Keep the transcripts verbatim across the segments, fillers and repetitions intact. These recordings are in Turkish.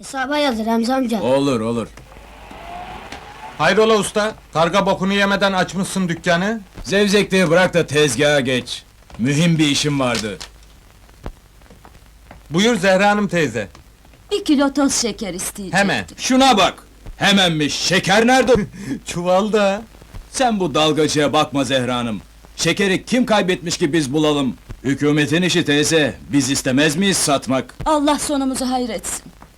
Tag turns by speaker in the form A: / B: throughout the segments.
A: Hesaba yazır Remzi amca.
B: Olur olur.
C: Hayrola usta? Karga bokunu yemeden açmışsın dükkanı.
B: Zevzekliği bırak da tezgaha geç. Mühim bir işim vardı.
C: Buyur Zehra Hanım teyze.
D: Bir kilo toz şeker isteyecektim.
C: Hemen.
B: Şuna bak! Hemenmiş, şeker nerede?
C: Çuvalda.
B: Sen bu dalgacıya bakma Zehra Hanım. Şekeri kim kaybetmiş ki biz bulalım? Hükümetin işi teyze, biz istemez miyiz satmak?
D: Allah sonumuzu hayretsin.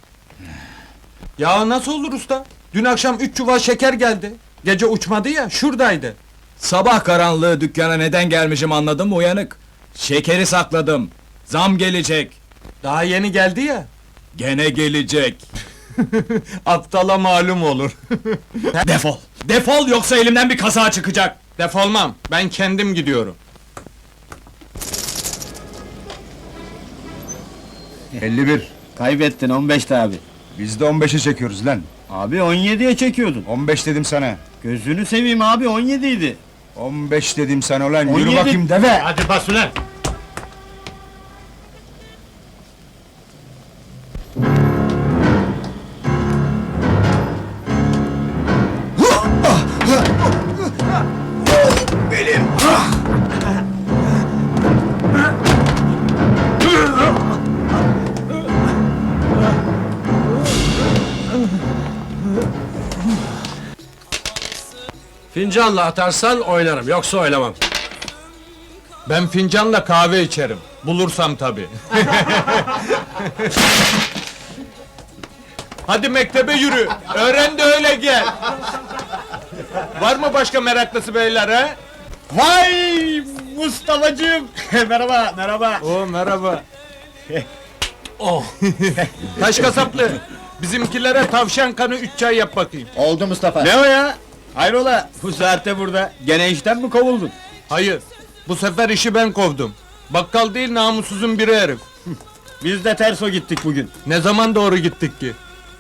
C: Ya nasıl olur usta? Dün akşam üç çuval şeker geldi. Gece uçmadı ya, şuradaydı.
B: Sabah karanlığı dükkana neden gelmişim anladın mı uyanık? Şekeri sakladım. Zam gelecek.
C: Daha yeni geldi ya.
B: Gene gelecek.
C: Aptala malum olur.
B: Defol! Defol yoksa elimden bir kaza çıkacak!
C: Defolmam, ben kendim gidiyorum.
E: elli bir.
F: Kaybettin on beşte abi.
E: Biz de on beşe çekiyoruz lan.
F: Abi on yediye çekiyordun.
E: on beş dedim sana.
F: Gözünü seveyim abi on yedi idi.
E: on beş dedim sana ulan.
F: on
E: Yürü
F: yedi.
E: bakayım deve.
F: Hadi bas ulan.
G: Fincanla atarsan oynarım, yoksa oynamam.
C: Ben fincanla kahve içerim. Bulursam tabii. Hadi mektebe yürü. Öğren de öyle gel. Var mı başka meraklısı beyler ha?
F: Vay Mustafa'cığım. merhaba merhaba.
C: Oo merhaba. Oh. Taş kasaplı. Bizimkilere tavşan kanı üç çay yap bakayım.
F: Oldu Mustafa. Ne o ya? Hayrola bu saatte burada. Gene işten mi kovuldun?
C: Hayır. Bu sefer işi ben kovdum. Bakkal değil namussuzun biri herif.
F: Biz de terso gittik bugün.
C: Ne zaman doğru gittik ki?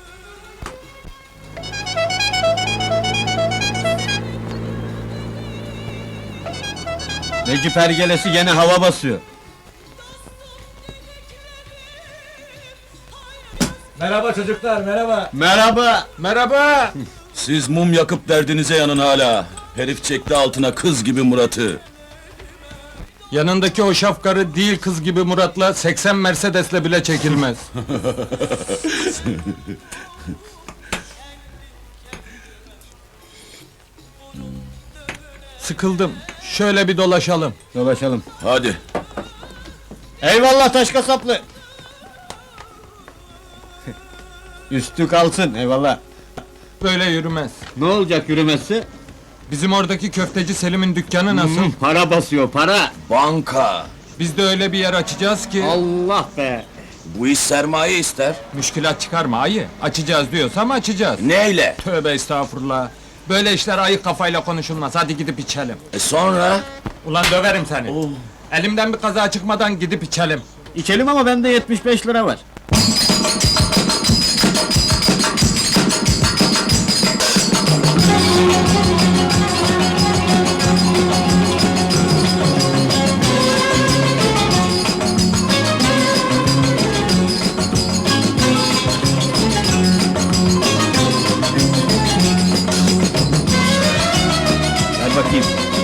F: Necip Ergelesi gene hava basıyor.
B: Merhaba çocuklar, merhaba!
F: Merhaba.
C: Merhaba.
B: Siz mum yakıp derdinize yanın hala. Herif çekti altına kız gibi Murat'ı.
C: Yanındaki o şafkarı değil kız gibi Murat'la seksen Mercedes'le bile çekilmez. Sıkıldım. Şöyle bir dolaşalım.
F: Dolaşalım.
B: Hadi.
F: Eyvallah taş kasaplı. Üstü kalsın eyvallah.
C: Böyle yürümez.
F: Ne olacak yürümesi?
C: Bizim oradaki köfteci Selim'in dükkanı nasıl?
F: Hmm, para basıyor para.
B: Banka.
C: Biz de öyle bir yer açacağız ki...
F: Allah be.
B: Bu iş sermaye ister.
C: Müşkilat çıkarma ayı. Açacağız diyorsam açacağız.
B: Neyle?
C: Tövbe estağfurullah. Böyle işler ayık kafayla konuşulmaz. Hadi gidip içelim.
B: E sonra?
C: Ulan döverim seni. Elimden bir kaza çıkmadan gidip içelim.
F: İçelim ama bende yetmiş beş lira var. Ver bakayım.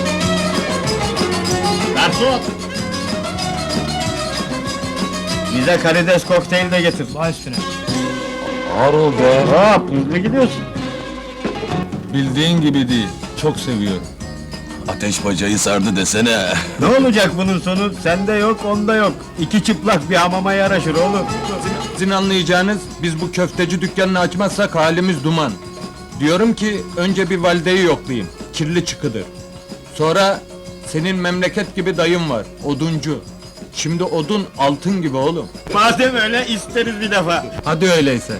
F: Garson! Bize karides kokteyl de getir. Baş üstüne.
C: Harıl be.
F: Hop, hızlı gidiyorsun.
C: Bildiğin gibi değil. Çok seviyorum.
B: Ateş bacayı sardı desene.
F: Ne olacak bunun sonu? Sende yok, onda yok. İki çıplak bir hamama yaraşır oğlum.
C: Sizin anlayacağınız, biz bu köfteci dükkanını açmazsak halimiz duman. Diyorum ki, önce bir valideyi yoklayayım. Kirli çıkıdır. Sonra, senin memleket gibi dayın var, oduncu. Şimdi odun altın gibi oğlum.
F: Madem öyle isteriz bir defa.
C: Hadi öyleyse.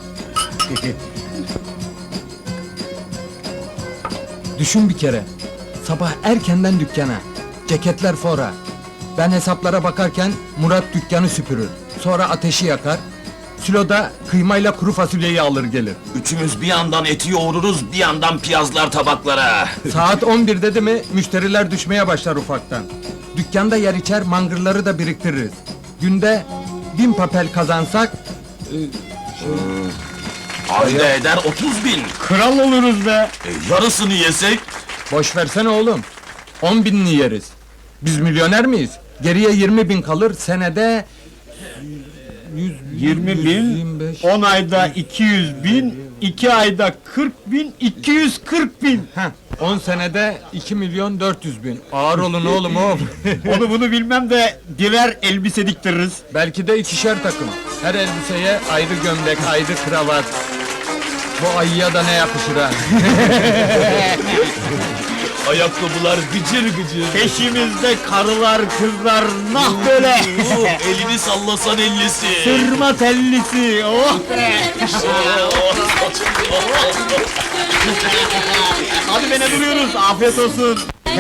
C: Düşün bir kere. Sabah erkenden dükkana. Ceketler fora. Ben hesaplara bakarken Murat dükkanı süpürür. Sonra ateşi yakar. Siloda kıymayla kuru fasulyeyi alır gelir.
B: Üçümüz bir yandan eti yoğururuz, bir yandan piyazlar tabaklara.
C: Saat on bir dedi mi müşteriler düşmeye başlar ufaktan. Dükkanda yer içer mangırları da biriktiririz. Günde bin papel kazansak... e,
A: Ayda eder otuz bin.
F: Kral oluruz be.
A: E, yarısını yesek?
C: Boş versene oğlum. On binini yeriz. Biz milyoner miyiz? Geriye yirmi bin kalır, senede... yüz,
F: yirmi bin,
C: yirmi beş.
F: on ayda iki yüz bin, iki ayda kırk bin, iki yüz kırk bin.
C: Heh, on senede iki milyon dört yüz bin. Ağır olun oğlum oğlum.
F: Onu bunu bilmem de birer elbise diktiririz.
C: Belki de ikişer takım. Her elbiseye ayrı gömlek, ayrı kravat. Bu ayıya da ne yakışır ha?
A: Ayakkabılar gıcır gıcır.
F: Peşimizde karılar, kızlar, nah böyle.
A: Oh, elini sallasan ellisi.
F: Sırma tellisi, oh be. Hadi be ne duruyoruz, afiyet olsun.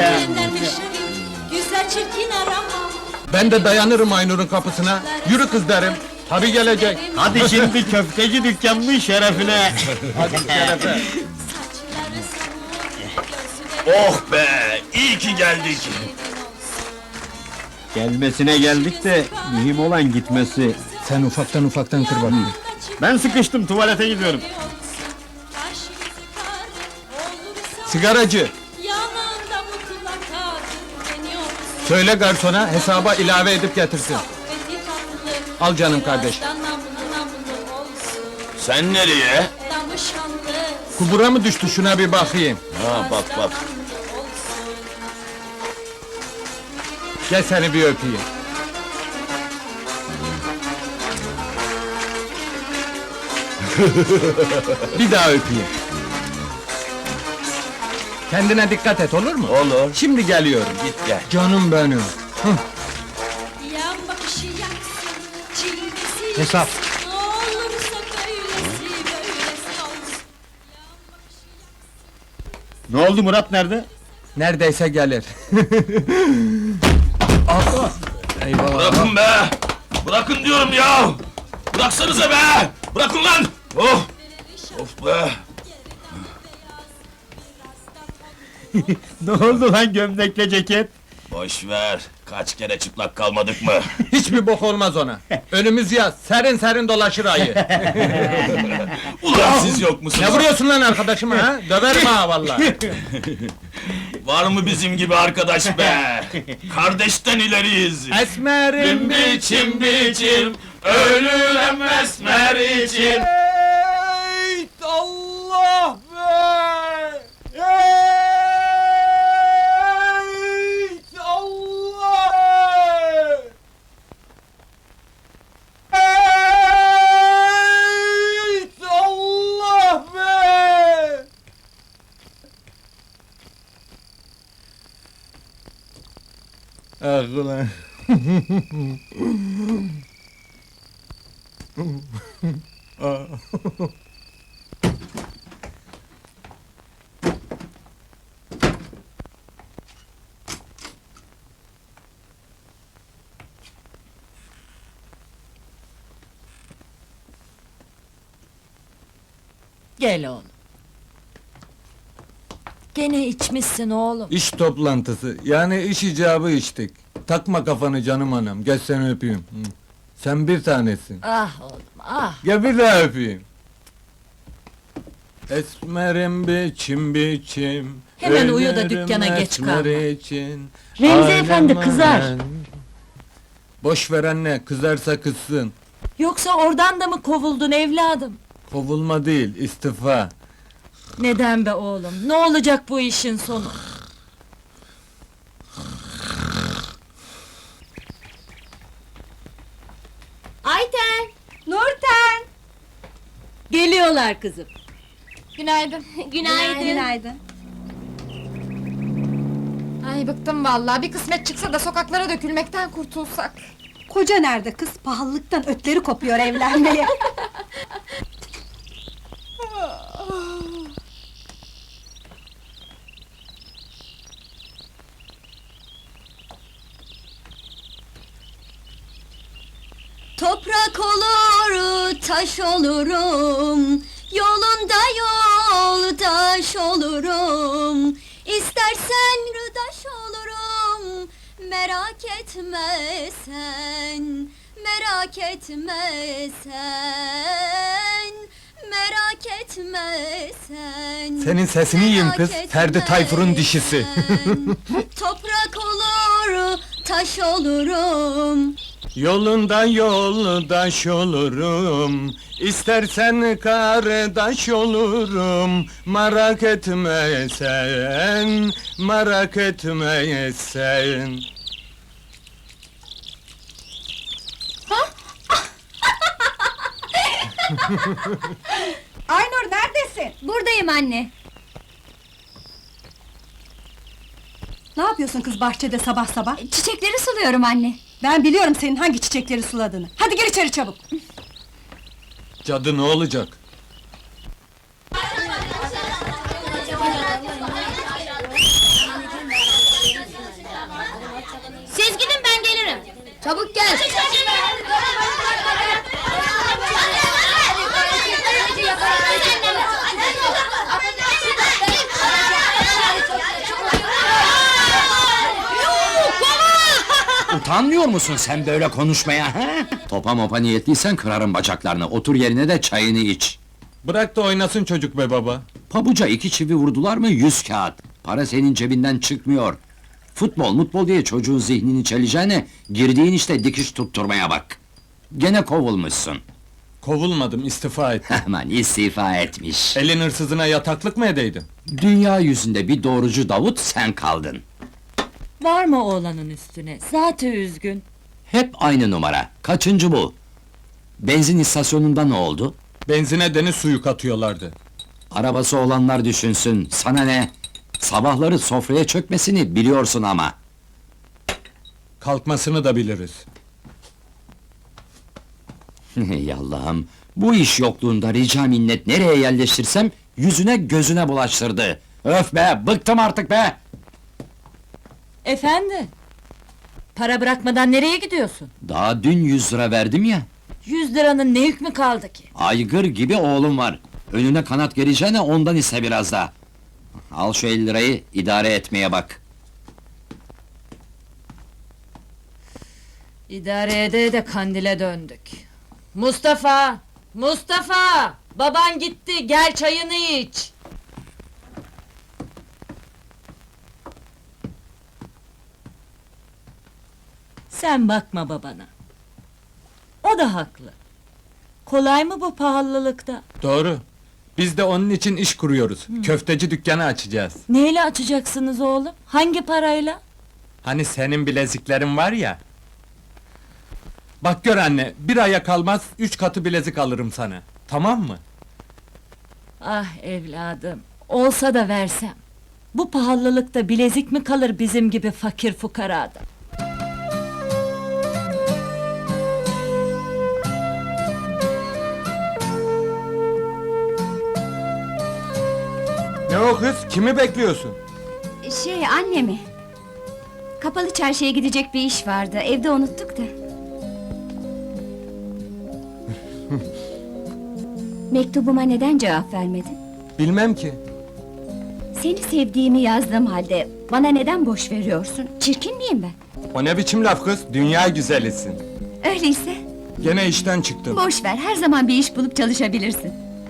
D: Güzel çirkin arama.
C: Ben de dayanırım Aynur'un kapısına. Yürü kız derim. Tabi gelecek.
F: Hadi şimdi köfteci dükkanının şerefine.
C: Hadi şerefe.
A: Oh be, iyi ki geldik.
F: Gelmesine geldik de mühim olan gitmesi.
C: Sen ufaktan ufaktan kır bakayım.
F: Ben sıkıştım, tuvalete gidiyorum.
C: Sigaracı,
D: Yanında mutlaka deniyor.
C: söyle garsona hesaba ilave edip getirsin. Al canım kardeş.
A: Sen nereye?
C: Kubura mı düştü şuna bir bakayım.
A: Ha bak bak.
C: Gel seni bir öpeyim. Bir daha öpeyim. Kendine dikkat et olur mu?
A: Olur.
C: Şimdi geliyorum.
A: Git gel.
C: Canım benim.
D: Yan bakışı yaksın, çilgisi
F: Hesap.
D: yaksın. Ne olursa böylesi, böylesi olsun.
F: Ne oldu, Murat nerede?
C: Neredeyse gelir. Ah! Eyvallah.
A: Bırakın be! Bırakın diyorum ya! Bıraksanıza be! Bırakın lan! Oh! Of be!
F: Ne oldu lan gömlekle ceket?
A: Boş ver! Kaç kere çıplak kalmadık mı?
C: Hiçbir bok olmaz ona. Önümüz yaz, serin serin dolaşır ayı.
A: Ulan siz yok musunuz?
C: Ne vuruyorsun lan arkadaşıma ha? Döverim ha vallahi.
A: Var mı bizim gibi arkadaş be? Kardeşten ileriyiz!
C: Esmerim
A: biçim biçim, ölürüm esmer için!
C: Ey Allah be! Ey Allah! Ey Allah be! Ah ulan!
D: Gel oğlum. Gene içmişsin oğlum.
C: İş toplantısı, yani iş icabı içtik. Takma kafanı canım anam, gel seni öpeyim. Hı. Sen bir tanesin.
D: Ah oğlum, ah.
C: Gel bir daha öpeyim. Esmerim biçim biçim.
D: Hemen uyu da
C: ölürüm
D: dükkana geç
C: esmer
D: kalma.
C: için.
D: Remzi
C: Alem
D: efendi kızar.
C: alem. Boş ver anne, kızarsa kızsın.
D: Yoksa oradan da mı kovuldun evladım?
C: Kovulma değil, istifa.
D: Neden be oğlum? Ne olacak bu işin sonu? Ayten! Nurten! Geliyorlar kızım.
H: Günaydın.
D: Günaydın.
H: Günaydın. Ay bıktım vallahi. Bir kısmet çıksa da sokaklara dökülmekten kurtulsak.
I: Koca nerede kız? Pahalılıktan ötleri kopuyor evlenmeye.
D: Toprak olur, taş olurum. Yolunda yoldaş olurum. İstersen rıdaş olurum. Merak etme sen. Merak etme sen, merak etme sen.
C: Senin sesini yiyeyim kız,
D: Merak
C: Ferdi
D: etme
C: Tayfur'un dişisi.
D: sen. Toprak olur, taş olurum.
C: Yolundan yoldaş olurum, istersen kardeş olurum. Merak etme sen, merak etme sen.
I: Aynur neredesin?
D: Buradayım anne.
I: Ne yapıyorsun kız bahçede sabah sabah?
D: Çiçekleri suluyorum anne.
I: Ben biliyorum senin hangi çiçekleri suladığını. Hadi gir içeri çabuk.
C: Cadı ne olacak?
D: Siz gidin ben gelirim. Çabuk gel.
J: Utanmıyor musun sen böyle konuşmaya, he? Topa mopa niyetliysen kırarım bacaklarını, otur yerine de çayını iç.
C: Bırak da oynasın çocuk be baba.
J: Pabuca iki çivi vurdular mı yüz kağıt. Para senin cebinden çıkmıyor. Futbol mutbol diye çocuğun zihnini çeleceğine, girdiğin işte dikiş tutturmaya bak. Gene kovulmuşsun.
C: Kovulmadım, istifa ettim.
J: Aman istifa etmiş.
C: Elin hırsızına yataklık mı edeydin?
J: Dünya yüzünde bir doğrucu Davut sen kaldın.
K: Var mı oğlanın üstüne? Zaten üzgün.
J: Hep aynı numara. Kaçıncı bu? Benzin istasyonunda ne oldu?
C: Benzine deniz suyu katıyorlardı.
J: Arabası olanlar düşünsün, sana ne? Sabahları sofraya çökmesini biliyorsun ama.
C: Kalkmasını da biliriz.
J: Ey Allah'ım, bu iş yokluğunda rica minnet nereye yerleştirsem, yüzüne gözüne bulaştırdı. Öf be, bıktım artık be!
K: Efendi? Para bırakmadan nereye gidiyorsun?
J: Daha dün yüz lira verdim ya,
K: Yüz liranın ne hükmü kaldı ki?
J: aygır gibi oğlum var. Önüne kanat gereceğine ondan iste biraz da. Al şu elli lirayı, idare etmeye bak.
K: İdare ede de kandile döndük. Mustafa! Mustafa! Baban gitti, gel çayını iç! Sen bakma babana. O da haklı. Kolay mı bu pahalılıkta?
C: Doğru. Biz de onun için iş kuruyoruz. Köfteci dükkanı açacağız.
K: Neyle açacaksınız oğlum? Hangi parayla?
C: Hani senin bileziklerin var ya. Bak gör anne, bir aya kalmaz üç katı bilezik alırım sana. Tamam mı?
K: Ah evladım, olsa da versem. Bu pahalılıkta bilezik mi kalır bizim gibi fakir fukarada?
C: Ne o kız? Kimi bekliyorsun?
D: Şey annemi. Kapalı çarşıya gidecek bir iş vardı. Evde unuttuk da. Mektubuma neden cevap vermedin?
C: Bilmem ki.
D: Seni sevdiğimi yazdığım halde bana neden boş veriyorsun? Çirkin miyim ben?
C: O ne biçim laf kız? Dünya güzelisin.
D: Öyleyse
C: Gene işten çıktım.
D: boş ver. Her zaman bir iş bulup çalışabilirsin.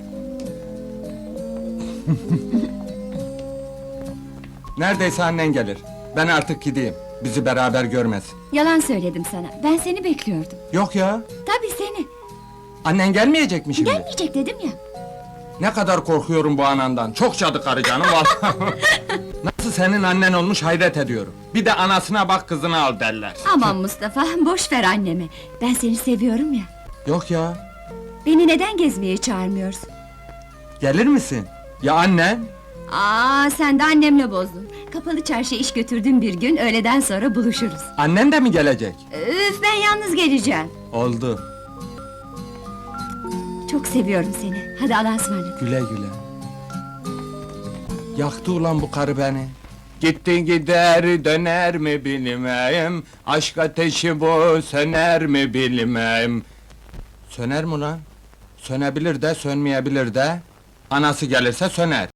C: Neredeyse annen gelir. Ben artık gideyim. Bizi beraber görmez.
D: Yalan söyledim sana. Ben seni bekliyordum.
C: Yok ya.
D: Tabii seni.
C: Annen gelmeyecek mi şimdi?
D: Gelmeyecek dedim ya.
C: Ne kadar korkuyorum bu anandan. Çok cadı karı canım vallahi. Nasıl senin annen olmuş hayret ediyorum. Bir de anasına bak kızını al derler.
D: Aman Mustafa, boş ver annemi. Ben seni seviyorum ya.
C: Yok ya.
D: Beni neden gezmeye çağırmıyorsun?
C: Gelir misin? Ya annen?
D: Aa, sen de annemle bozdun. Kapalı çarşıya iş götürdüğüm bir gün öğleden sonra buluşuruz.
C: Annen de mi gelecek?
D: Üf, ben yalnız geleceğim.
C: Oldu.
D: Çok seviyorum seni. Hadi Allah'a ısmarladık.
C: Güle güle. Yaktı ulan bu karı beni. Gitti gider döner mi bilmem. Aşk ateşi bu söner mi bilmem. Söner mi ulan? Sönebilir de sönmeyebilir de. Anası gelirse söner.